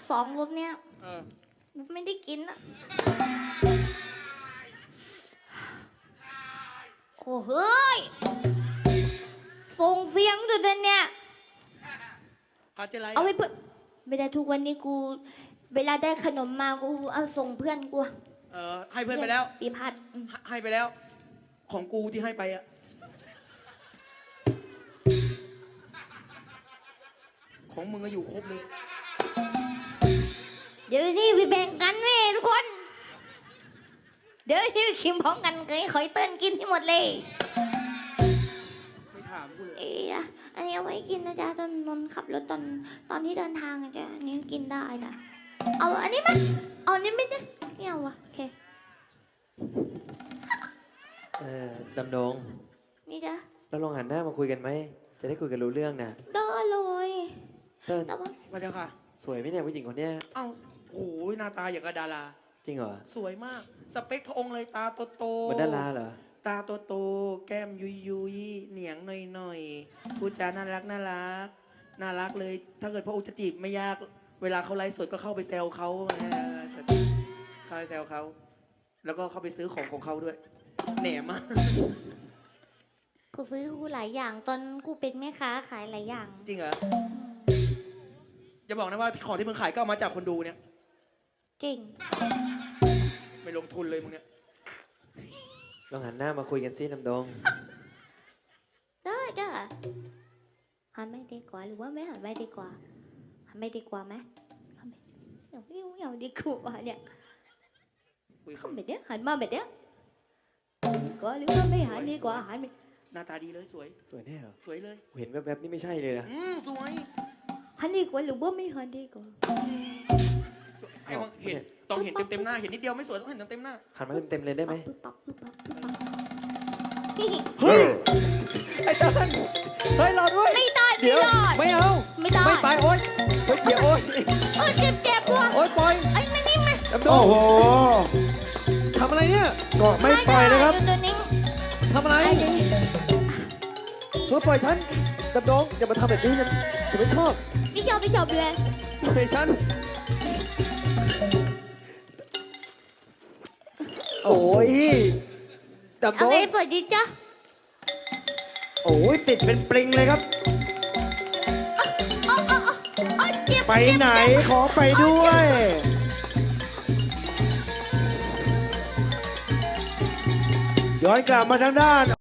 2 รูปเนี้ยไม่ได้กินอะโอ้เฮ้ยส่งเสียงด้วยเนี่ยเอาไว้เพื่อไม่ได้ทุกวันนี้กูเวลาได้ขนมมากูเอาส่งเพื่อนกูให้เพื่อนไปแล้วปีพัดให้ไปแล้วของกูที่ให้ไปอะของมึงก็อยู่ครบเลยเดี๋ยวนี้ไปแบ่งกันเว้ยทุกคนเดี๋ยวที่คิมพร้อมกันเคยขอยเติ้ลกินที่หมดเลยไม่ถามกูเลยอันนี้เอาไว้กินนะจ๊ะตอนนนขับรถตอนที่เดินทางนะจ๊ะอันนี้กินได้จ้ะเอาอันนี้ไหมเอาอันนี้ไม่ได้ไม่เอาวะโอเคดำดงนี่จ้ะเราลองหันหน้ามาคุยกันไหมจะได้คุยกันรู้เรื่องนะได้เลยเติ้ลมาเจ้าค่ะสวยไหมเนี่ยผู้หญิงคนเนี้ยเอ้าโอ้ยหน้าตาอย่างกับดาราจริงเหรอสวยมากสเปคพระองค์เลยตาโตๆเหมือนดาราเหรอตาโตๆแก้มยุยเหนียงหน่อยพูดจาน่ารักเลยถ้าเกิดพระองค์จะจีบไม่ยากเวลาเขาไลฟ์สดก็เข้าไปแซวเขาเข้าไปแซวเขาแล้วก็เข้าไปซื้อของเขาด้วยแหนมากกูซื้อกูหลายอย่างตอนกูเป็นแม่ค้าขายหลายอย่างจริงเหรอจะบอกนะว่าของที่มึงขายก็เอามาจากคนดูเนี่ยจริงไม่ลงทุนเลยมึงเนี่ยลองหันหน้ามาคุยกันสิดำดงได้จ้ะหันไม่ดีกว่าหรือว่าไม่หันไม่ดีกว่าหันไม่ดีกว่าไหมอย่างดีกว่าเนี่ยเขาแบบเนี้ยหันมาแบบเนี้ยก็หรือว่าไม่หันดีกว่าหันหน้าตาดีเลยสวยแน่เหรอสวยเลยเห็นแวบๆนี่ไม่ใช่เลยนะสวยหันดีกว่าหรือว่าไม่หันดีกว่าไอ้วังเห็นต้องเห็นเต็มหน้าเห็นนิดเดียวไม่สวยต้องเห็นเต็มหน้าหันมาเต็มเลยได้ไหมเฮ้ยไอ้เติ้ลเฮ้ยรอด้วยไม่ได้เดี๋ยวไม่เอาไม่ได้ไม่ไปโอ๊ยเดี๋ยวโอ๊ยเจ็บว่ะโอ๊ยปล่อยไอ้มานี่มาโอ้โหทำอะไรเนี่ยก็ไม่ปล่อยนะครับทำอะไรเธอปล่อยฉันดำดงอย่ามาทำแบบนี้ฉันไม่ชอบไม่ชอบเลยปล่อยฉันโอ้ยดำดงเอาไปปล่อยดิจ้ะโอ้ยติดเป็นปลิงเลยครับไปไหนขอไปด้วยย้อนกลับมาทางด้าน